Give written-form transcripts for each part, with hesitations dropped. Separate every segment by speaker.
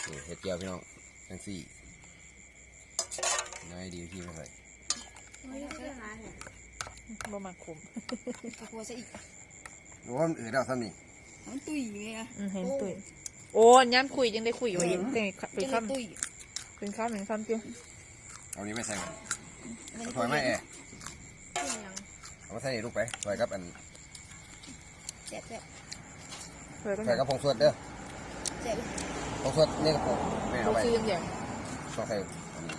Speaker 1: นี่เห็ดเจียวพี่น้องทั้งสี่น้อยดีที่ไม่ใส่
Speaker 2: บ่มาคุม
Speaker 3: กลัวซะอีก
Speaker 1: รู้ว่ามันอืดแล้วท่านนี่
Speaker 3: มันตุยไง
Speaker 2: เห็นตุยโอ้ย้ำคุยยังได้คุยอยู่เป็นคำเป็นคำเจียว
Speaker 1: เอานี้ไม่ใส่กันถอยไม่แอเอามาใส่ลูกไปถอยกับอัน
Speaker 3: แซ่บ
Speaker 1: ถอยกับผงสวดเด้อ
Speaker 3: แซ่บ
Speaker 1: ผงสวดนี่กับผมไม่เอาไปต้องใส่อันนี้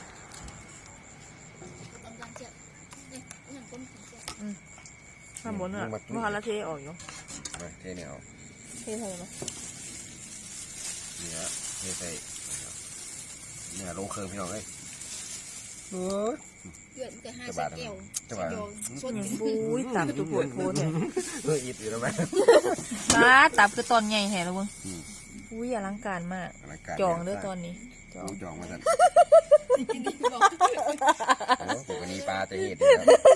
Speaker 2: ข้าวหมูเนี่ยมะละเทออกอยู่
Speaker 1: เทเนี่ยเอา
Speaker 2: เทใส่ไหม
Speaker 1: นี่ฮะเทใส่เนี่ยลงเครื่องพี่น้องเลย
Speaker 3: เดือดจะให้ใส่แก้ว
Speaker 2: สดบุ้ยตับตัวปวดโคตร
Speaker 1: เลยอิดอยู่แล้วไหม
Speaker 2: มาตับคือตอนใหญ่แห่แล้วมึงอุ้ยอลังการมากจองเด้อตอนนี้
Speaker 1: จองมาสั่น
Speaker 3: จริงๆบอก
Speaker 1: ปกติปลาจะเห็ด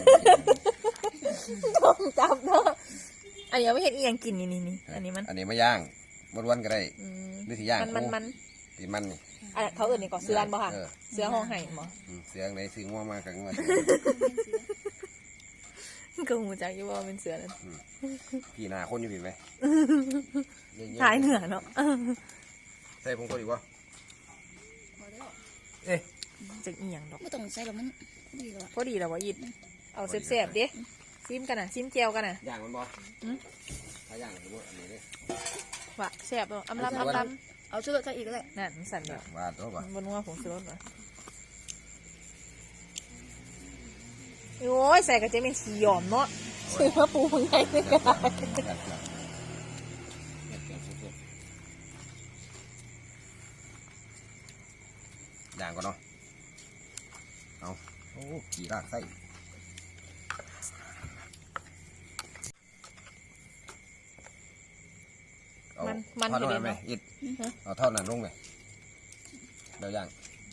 Speaker 2: ต้องจับเนาะอันนี้ไม่เห็นอีหยังกินนี่อันนี้
Speaker 1: ไม่ย่างวันก็ได้นี่สิย่าง
Speaker 2: มัน
Speaker 1: ตีมันนี่
Speaker 2: เขาอื่นนี่ก่อเสือบ่ค่ะเสือห้องไห่บ่
Speaker 1: เสือไหนซื้อง่วงมากันง่วง
Speaker 2: ก็หูจักอยู่ว่าเป็นเสือนั่น
Speaker 1: พี่นาคนอยู่ผิดไหม
Speaker 2: ท้ายเหนือเนาะ
Speaker 1: ใส่ผงตัวดีวะ
Speaker 2: จะอีหยังดอก
Speaker 3: ไม่ต้องใส่หรอกมันดีแล้ว
Speaker 2: พอดีแล้ววะยิดเอาเสียบๆดิซิมกันนะซิมเจียวกันนะ
Speaker 1: ย่างมันบ่ถ้าย่างสมมติอันนี้เลย
Speaker 2: ว่ะเสียบอำลำ
Speaker 3: เอาชุดใส่อีกก็ได้
Speaker 2: นั่นสั่นแบบ
Speaker 1: ว่าตัวบ่
Speaker 2: บนว่าผงชูรสเหรอโอ้ยใส่กระเจี๊ยบเป็นสีหยอมเนาะใส่มะปูมันไงไม่ได้
Speaker 1: ย่างก่อนเนาะเอาโอ้ขี่รากไส้
Speaker 2: มัน
Speaker 1: ทอดนั้นไหมอิดเอาทอดนั้นลงไหมเดี๋ยวย่าง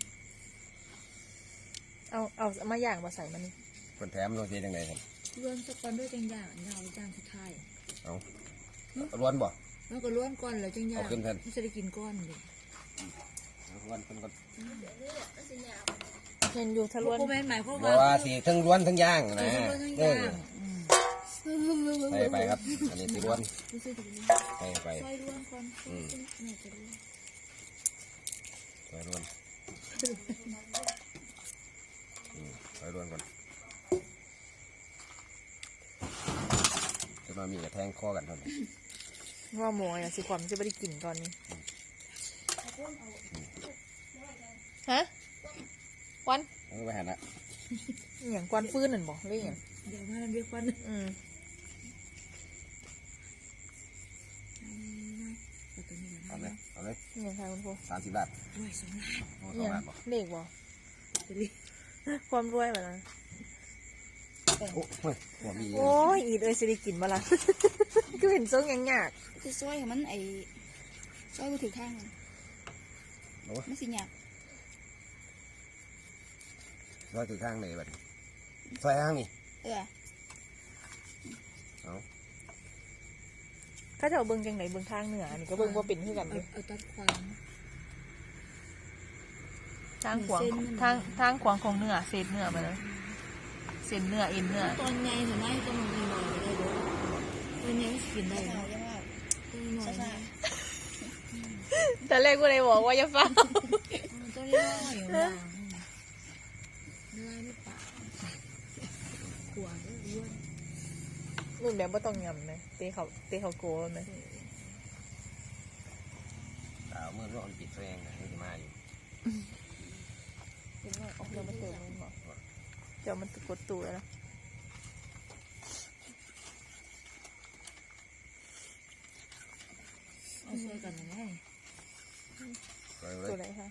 Speaker 2: เอามาย่างมาใส่มันนี่
Speaker 1: คนแถมลงเทียงไงครับ
Speaker 3: ล้วนสักก้อนด้วยจังย่างยาวย่างสุดท้าย
Speaker 1: เอาล้วนบ่
Speaker 3: แล้วก็ล้วนก้อนแล้วจังย่าง
Speaker 1: เอาขึ้นแทน
Speaker 3: ไม่ได้กินก้อนเลย
Speaker 1: ล้วนคน
Speaker 2: เห็นอยู่ทะล้วน
Speaker 3: หมายความ
Speaker 1: ว่าสีทั้งล้วนทั้งย่างนะไปครับอันนี้สีล้วนไป
Speaker 3: ซอยล้วนก่อน
Speaker 1: ซอยล้วนซอยล้วนก่อนจะมามีกระแทงคอกันเท่านี้
Speaker 2: ว่าหมูอ่ะสิความจะไม่ได้กินตอนนี้ฮะควัน
Speaker 1: ไม่หันละ
Speaker 2: อย่างควันฟื้นนั่นบอกเรื่องอย่าง
Speaker 3: เดี๋ยวมาเรียกควัน
Speaker 1: เอาเลย
Speaker 2: อย่างไรคุณครู
Speaker 1: 30 บาท
Speaker 2: 2 ล้านเด็กบอกความรวยแบบนั้นโอ้ยอีดเลยสิได้กินมาละก็เห็นทรงยังยาก
Speaker 3: คือซอยมันไอ้ซอยก็ถือข้างไม่สิยาก
Speaker 1: ซอยถือข้างไหนบัดซอยข้างนี่
Speaker 2: ถ้าจะเอาเบิ้งจังไหนเบิ้งทางเหนือนี่ก็เบิ้งว่าเป็นที่กันเลย
Speaker 3: ตัดควาง
Speaker 2: ทางขวางของเนื้อเศษเนื้อมาเลยเส้นเนื้อเอ็นเนื้อ
Speaker 3: ตอนไงเห็นไหมตอนมันมีหน่อยได้ด้วยตอนนี้กินได้ไหม
Speaker 2: แต่แรกกูเลยบอกว่าจะฟัง
Speaker 3: ตัวนี้น้อยอยู่บ้างเนื้อไม่ปากขวานอ้วน
Speaker 2: รุ่นแบบว่าต้องยำเลยเตะเขาโก้เลย
Speaker 1: ดาวเมื่อร้อนปิดแรงนี่จะมาอยู่
Speaker 2: เดี๋ยวมันเติมมันบอกเดี๋ยวมันกดตัวแล้ว
Speaker 3: เอาช่วยกันยังไง
Speaker 2: ตัวไหนคะ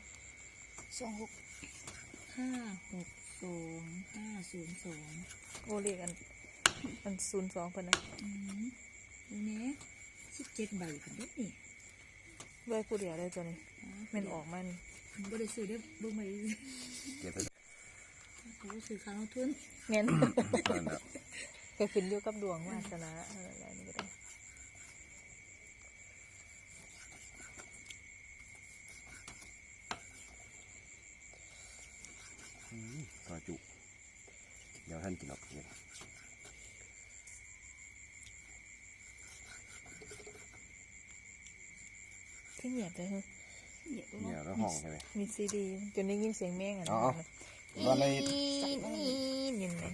Speaker 3: 26560502
Speaker 2: โอเรียกอัน02คนนะ
Speaker 3: นี่17 ใบคนเด็กนี่
Speaker 2: ใบผู้เดียวได้ตัวนี้มันออกมัน
Speaker 3: บ่ได้ซื้อได้บ่ไม่เขาซื้อข้าวทุน
Speaker 2: เงี้ยก็ขึ้นอยู่กับดวงวาสนาอะไรนี่ก็ได้ที่เหยียบเลย
Speaker 1: เนี่ยแล้วห้องใช่ไหม
Speaker 2: มีซีดีจนได้ยินเสียงแม่งอ่ะ
Speaker 1: อ๋อตอนใน
Speaker 2: นี่ยินไหม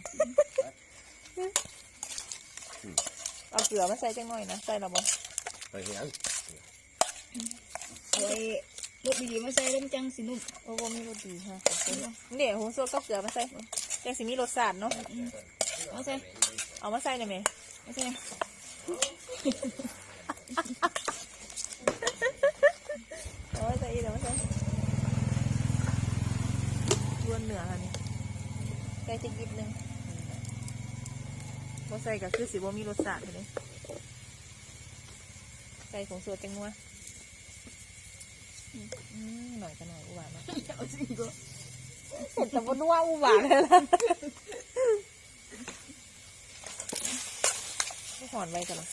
Speaker 2: เอาเกลือมาใส่จังหน่อยนะใส่ละบ่
Speaker 1: ไปเหียง
Speaker 3: เอาไอ้รสดีๆมาใส่เริ่มจังสินุ่ม
Speaker 2: โอ้บ่มีรสดีฮะเดี๋ยวหูสดก็เกลือมาใส่จังสิมีรสชาติเนาะ
Speaker 3: เอาใส่
Speaker 2: เอามาใส่ได้ไหม
Speaker 3: เอาใส่
Speaker 2: เอามาใส่อีกเอามาใส่รวนเหนือค่ะนี่ใกล้จะยิบนึงบ่ใส่ก็คือสิบ่มีรสชาติเลยใส่ของสดจังนัวหน่อยก็หน่อยอุบาทนะ
Speaker 3: เอาสิก็
Speaker 2: เห็นแต่บนว่าอุบาทเลยล่ะไม่หอนไว้กันหรอ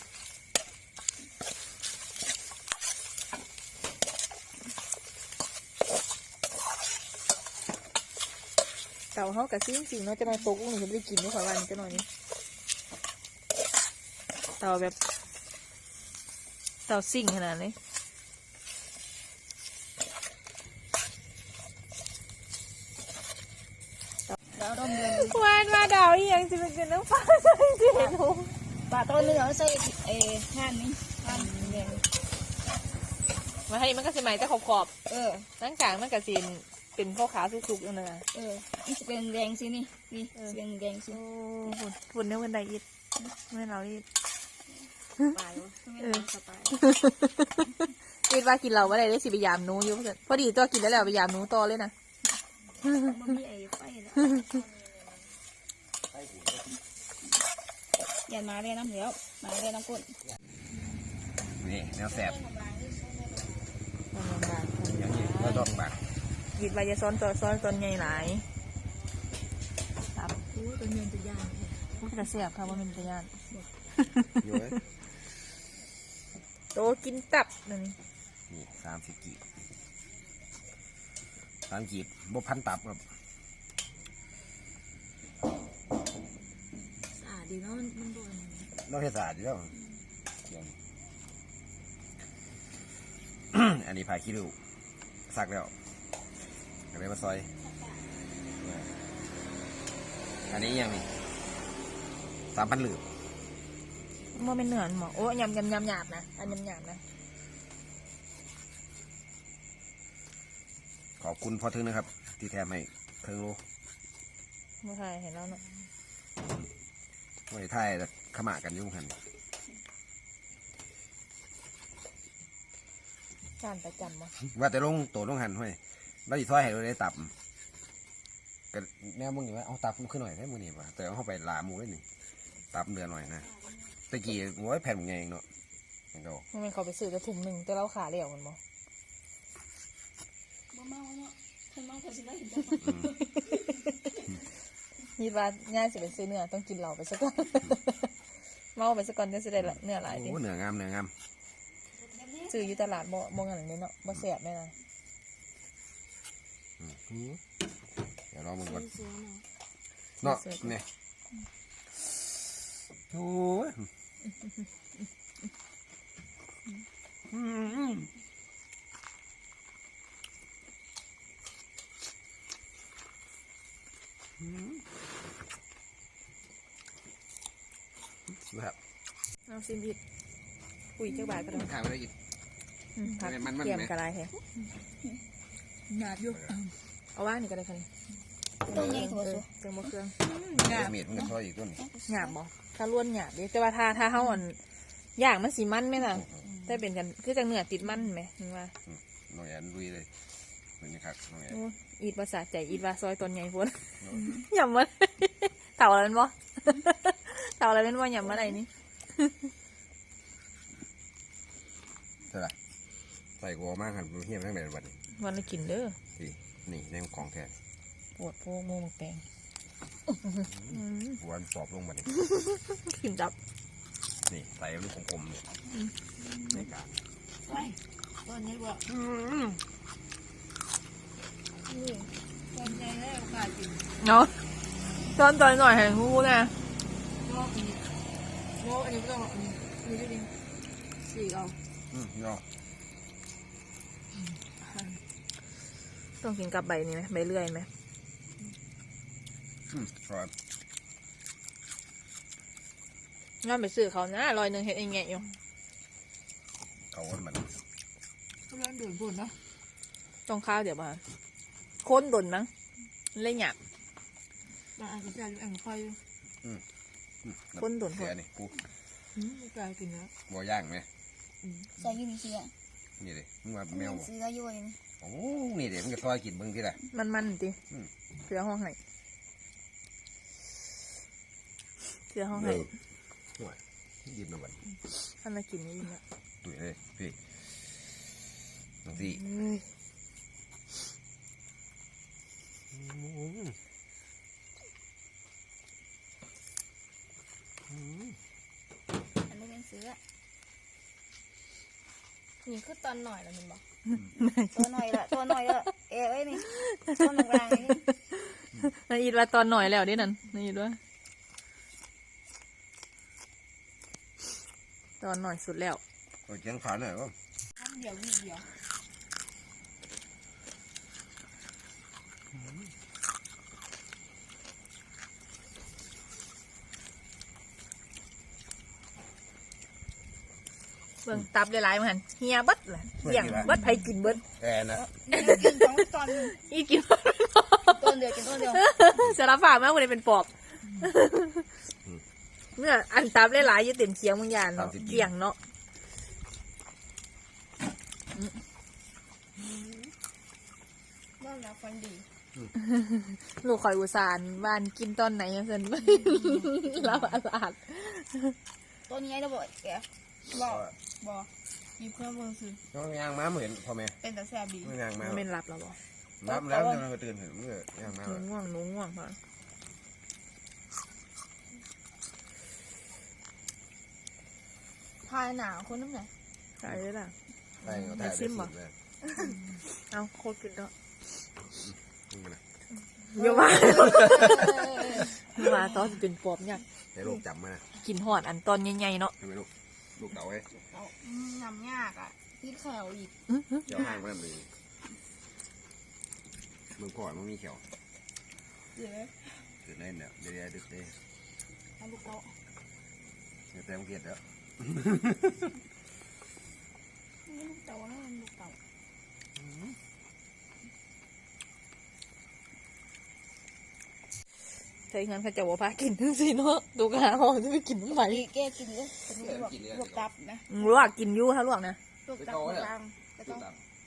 Speaker 2: เต่าเขากะซิ่งจริงเนาะจะมาตกอุ้งหนูจะไม่ได้กินไม่ขอวันจะหน่อยนี้เต่าแบบเต่าซิ่งขนาดนี้
Speaker 3: แล้วต้มเดือน
Speaker 2: วานมาดาวอีหยังจะเป็นเกินน้ำฟ้าใส่เสียหนู
Speaker 3: ปลาต้นเนื้อใส่ไอ้ห่านนี่ห่านแดง
Speaker 2: มาให้มันก็สิใหม่แต่ขอบ
Speaker 3: เออ
Speaker 2: ๆนั่งกลางมันก็สิเป็นข้าวขาวสุกๆนั่นน่ะ
Speaker 3: เออนี่จะเป็นแดงสินี่นี่จะเป็นแดงสิ
Speaker 2: โอ้ฝุ่นเนี่ยมันไดอิดไม่เราอิด
Speaker 3: ปลายวะไม่เป็นสไตล์
Speaker 2: อิดว่ากินเราว่าได้สิไปยามหนูอยู่พอดีตัวกินแล้วแหละไปยามหนูต่อเลยนะ
Speaker 3: มันมีไอ้ไฟแล้วยันมาเลยน้ำเหลียวมาเลยน้ำก้น
Speaker 1: นี่แนวแสบอย่างนี้ก็ต้องแบบ
Speaker 2: อิดว่าจะซ้อนตอนใหญ่หลายครับ
Speaker 3: โอ้ตัวเงินจะยากแท้
Speaker 2: พูดแต่เสียบค่ะว่ามันเป็นยาน
Speaker 1: อยู่ไหม
Speaker 2: โตกินตับนั่นนี่
Speaker 1: นี่30 กีบ30 กีบบ่พันตับครับ
Speaker 3: สะอาดดีเนาะมันโดน
Speaker 1: นอกเทศาสตร์อยู่แล้วอย่าง อันนี้พาคิริวซักแล้วเอาไปมาซอย อันนี้ยังนี่3,000 หลืบ
Speaker 2: มันเป็นเนื้อหมอโอ้ยำหยาบนะอันยำหยาบนะ
Speaker 1: ขอบคุณพ่อทึงนะครับ ที่แถมให้เครื่องโล
Speaker 2: เมื่อไทยเห็นแล้วเนาะ
Speaker 1: ไว้ท่ายแต่ขมากันยุ่งหัน
Speaker 2: การประจำมั้ง
Speaker 1: ว่าแต่ลงโตลงหันห้วยเราอีซอยให้เราได้ตับก็แนวมึงอยู่ว่าเอาตับมันขึ้นหน่อยได้มึงนี่ป่ะแต่เอาเข้าไปลาหมูได้นี่ตับเดือนหน่อยนะตะกี้โอ้ยแผ่นมึงไงเองเนาะมันก็
Speaker 2: มันเขาไปซื้อกระถุงหนึ่งแต่เราขาเหลี่ยวมันบ่
Speaker 3: บ่เมาเนาะคนเมาคนสิได้เห็นจัง
Speaker 2: คิดว่าง่ายสิไปซื้อเนื้อต้องกินเหล้าไปสักก่อน เมาไปสักก่อนจะสิได้เนื้อหลายดิ
Speaker 1: โอ้เนื้องามเนื้องาม
Speaker 2: ซื้ออยู่ตลาดบ่งั้นเลยเนาะบ่แซ่บแม่นะ
Speaker 1: เดี๋ยวรอมึงก่อน
Speaker 3: เสือเนาะ
Speaker 1: เนาะเนี่ยโอ้ยแบบ
Speaker 2: เอาซิมอิดคุยเจ้าบ่ายก็ได้
Speaker 1: ขายไม่ได้อีก
Speaker 2: ผัก
Speaker 1: มันๆ
Speaker 2: เกี่ยม
Speaker 1: ไหม
Speaker 2: กระไรแฮะ
Speaker 3: หยาบอยู่
Speaker 2: เอาว่างนี่ก็ได้ค่ะนี่
Speaker 3: ตัวใหญ่กว่า
Speaker 2: เครื่องบ่เครื่อง
Speaker 3: หยาบ
Speaker 1: เมียดมันก็ซอยอีกต้น
Speaker 2: หยาบบ่ถ้าล้วนหยาบเด้แต่ว่าถ้าเฮาอ่อนย่างมันสิมันไหมล่ะแต่เป็นกันคือจังเนื้อติดมันไหมนึกว่า
Speaker 1: น้องแอนลุยเลยเหมือนนี้ครับน้องแอน
Speaker 2: โอ้อีดภาษาใจอีดว่าซอยตนใหญ่พ้น หย่ำมาเต่าอะไรเป็นบ่ เต่าอะไรเป็นบ่หย่ำมาอะไรนี่
Speaker 1: ใช่ไหมใส่กัวมากครับเฮี้ยมทั้งไหนวันนี้
Speaker 2: วันละกินเด้อ
Speaker 1: นี่ในของแท้
Speaker 2: ปวดโพโมหมกแปง
Speaker 1: วันสอบลงมานี่
Speaker 2: ขิมจับ
Speaker 1: นี่ใส่ลูกกลมๆเนี่ยในการ
Speaker 3: ไปตัวนี้บ่นี่ตัวใหญ่แล้วค่ะกิน
Speaker 2: เนาะตอนหน่อยให้ฮู้นะ
Speaker 3: งอกอันนี้งอกอันนี้ไม่ต้องอันนี้ดูดิสีเอา
Speaker 1: ยอ
Speaker 2: ต้องกินกับใบนี้ไหมใบเลื่อยไหม
Speaker 1: ครับ
Speaker 2: งั้นไปซื้อเขานะ100เฮ็ดเองแงะอยู่
Speaker 1: เขาคนมัน
Speaker 3: กำลังเดือดบุญเนาะ
Speaker 2: ต้องข้าวเดี๋ยวมาค้นดนมั้งเล่นหยาบบ
Speaker 3: างอันก็จะอยู่อันไฟ
Speaker 2: ค้นดน
Speaker 1: เสียนี่กู
Speaker 3: ไม่กล้ากินแล้ว
Speaker 1: บัวย่างไหม
Speaker 4: ใส่ยูนิเซีย
Speaker 1: นี่เลยมึงว่าแมวบ่
Speaker 4: ซื้อก็ยุ่ย
Speaker 1: โอ้นี่เดี๋ยวมึงจะซอยกินเบิ่งที่ไหน
Speaker 2: มันติ
Speaker 1: อืม
Speaker 2: เสือห้องไห้เสือห้องไห้
Speaker 1: ห่วยยิบหน่อยบัด
Speaker 2: ท่านมากินนี่ยินละ
Speaker 1: ตุ๋ยเลยพี่น้องสี่
Speaker 2: เฮ้ย
Speaker 4: อันนี้เป็นซื้อ
Speaker 3: นี่คือตอนหน่อยแล้วมันบอก
Speaker 4: ตัวหน่อยละตัวหน่อยละเอ้ยนี่ตัวหนึ่งรางนี่
Speaker 2: นายอีดว่าตอนหน่อยแล้วดินั่นนายอีดว่าตอนหน่อยสุดแล้ว
Speaker 1: โอ้ยเจียงขาหน่อยก็
Speaker 3: ทำเดียววีเดียว
Speaker 2: เบิ่งตับหลายๆมาหันเฮียเบิดล่ะเหี้ยงเบิดไผกินเบิด
Speaker 1: แอนนะ
Speaker 4: กินสองตอน
Speaker 2: อีกิน
Speaker 4: ตัวเดียวกินตัวเดียว
Speaker 2: สารภาพมากกว่านี้เป็นปอบเนี่ยอันตับหลายๆอยู่เต็มเคียงบางอย่างเนาะเคียงเนาะ
Speaker 3: บ้านเราฟันดี
Speaker 2: ลูกคอยอุตส่าห์บ้านกินตอนไหนยังเซ็นไม่ลาบอาลาด
Speaker 4: ตัวนี้เราบอกแกบอกบอก
Speaker 3: มีเพิ่มเพิ่มซื้อ
Speaker 1: น้องยางม้าเหมือนพ่อแม่
Speaker 3: เป็นแต่แซ่บดี
Speaker 1: ไม่ยางม้า
Speaker 2: มันเป็นหลับแล้วบ่
Speaker 1: น้ำแล้วจะมาตื่นเห็นมึงยางม้า
Speaker 2: หนูง่วงหนูง่วงค่ะ
Speaker 3: พายหนาวคนน้ำไหน
Speaker 2: ใช่เลยล่ะ
Speaker 1: ใช่เขาถ่ายไปสิเลย
Speaker 2: เอาโคตรกินแล้ว
Speaker 1: มึงนะ
Speaker 2: เยอะมากมาตอนเป็นปอบเนี่ย
Speaker 1: ให้ลูกจับมา
Speaker 2: กินหอดอันตอนใหญ่ๆเนาะ
Speaker 1: ทำไมลูกลูกเต่าไว้
Speaker 3: น้ำยากอ่ะพี่แขวอีก
Speaker 1: เจ้าห้างมาทำเลยมึงก่อนมึงมีเขียว
Speaker 3: เดี๋ยว
Speaker 1: ตื่นเล่นเนี่ยเดี๋ยวดึกเลย
Speaker 3: เอาลูกเอา
Speaker 1: เดี๋ยวแต่มึงเกลียดแล้ว
Speaker 3: ลูกเต่าแล้วลูกเต่า
Speaker 2: ใช่งั้นเขาจะว่าพากินทั้งสิเนาะดูกหาห้องจะไปกินทำไม
Speaker 4: ดีแกกินเลยลวกตับนะ
Speaker 2: ลวกกินอยู่ถ้าลวกนะ
Speaker 4: ลวกตับกลางก็ต้อง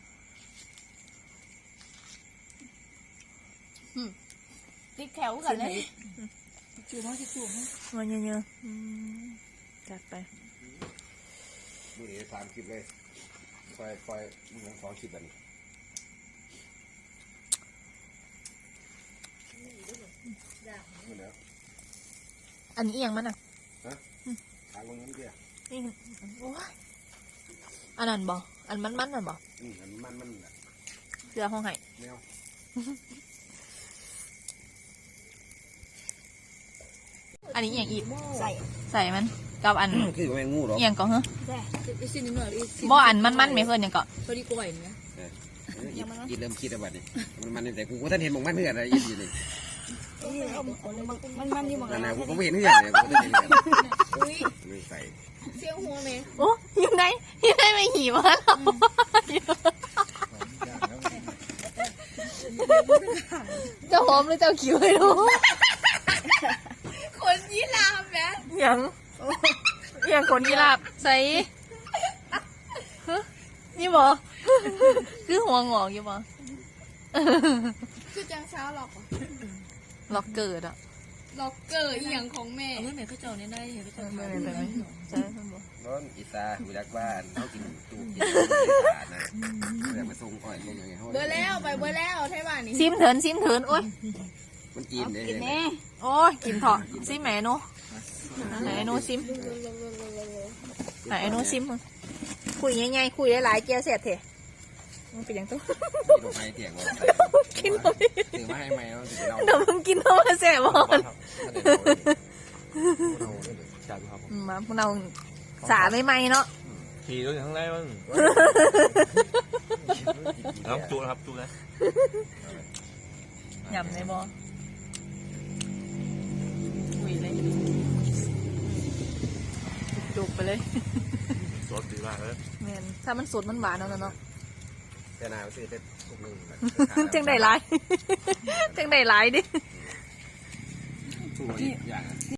Speaker 3: ติดแขวกันเลยจูบมั้งจูบมั้ง
Speaker 2: มันเยอะๆจัดไป
Speaker 1: มึงเดี๋ยวตามคลิปเลยคอยมึงสองคลิปแบบนี้มึงเดี๋ยว
Speaker 2: อันนี้เอียงมันอ่ะ
Speaker 1: ทางมึงนั่นเดียว
Speaker 2: นี่โอ้ยอันนั้นบ่อันมันนั่นบ่
Speaker 1: มัน
Speaker 2: เสื้อห้องไห้
Speaker 1: แมว
Speaker 2: อันนี้เอียงอีก
Speaker 4: ใส่
Speaker 2: ใส่มันกับอัน
Speaker 1: คือแมงงูหรอ
Speaker 2: เอียงก็เหรอ
Speaker 3: แซ่อีกสิ่งนึงหน่อยอีก
Speaker 2: บ่อันมันไม่เพื่อนยังก็
Speaker 3: พอดีกล้วยนะ
Speaker 1: อีเริ่มคิดแล้วบัดนี้มันแต่กูก็ท่านเห็นมองมันเหือดอะไรอีอยู่นี่
Speaker 4: มันอยู่เหมือน
Speaker 1: นั่
Speaker 4: กัน น
Speaker 1: นะกูก็ไม่เห็นเหือดเลยกูก็เห็นไม่ใส่
Speaker 3: เสียงหัวเลย
Speaker 2: โอ้อยู่ไหนไม่หีบมาหรอเจ้าหอมหรือเจ้าขิวไม่รู้
Speaker 3: คนยี่ลามแม่
Speaker 2: อย่างคนยีราฟใส่ฮะนี่บ่คือหัวงอกอยู่บ่
Speaker 3: คือจังเช้าหรอก
Speaker 2: ล็อกเกิดอ่ะ
Speaker 3: ล็อกเกอร์อีหยังของแม่เมื่อไหร่เขาเจ้าเนี่ยได้เห็นเขาเจ้า
Speaker 2: ไม่เป็นไรใช่ท่านบ่
Speaker 1: ร้อนอีตากูรักบ้านเขากินตู้กินขาดนะเดี๋ยวมาส่งอ้อยส่งยังไงเขา
Speaker 3: เบอร์แล้วไปเบอร์แล้วไทยบ้านนี่
Speaker 2: ซิมเถินโอ้ย
Speaker 1: มันกินเลย
Speaker 4: กินแน่
Speaker 2: โอ้ยกินเถอะซิมแหมหนูไหนหนูซิมไหนหนูซิมมึงคุยง่ายๆคุยหลายๆเจียวเสร็จเถอะมันเป็นอย่างตัว
Speaker 1: กินลงไปเถียงว่า
Speaker 2: กินเลย
Speaker 1: ถือมาให้ไหมเราถือเรา
Speaker 2: เดี๋ยวมึงกินเข้ามาแสบบ่
Speaker 5: จัดครับผม
Speaker 2: มาพวกเราสาไม่ไหมเนาะ
Speaker 5: ขี่รถอยู่ข้างในมั้งน้ำจุนะครับจุนะ
Speaker 2: หยำในบอหุยเลยจุกไปเลย
Speaker 5: รถดีมากเลย
Speaker 2: แม่นถ้ามันสดมันหวานเอาเนาะ
Speaker 1: แต่นาซื้อแต่ทุกนึง
Speaker 2: จังได้หลายจังได้หลายดิ
Speaker 1: อย่าง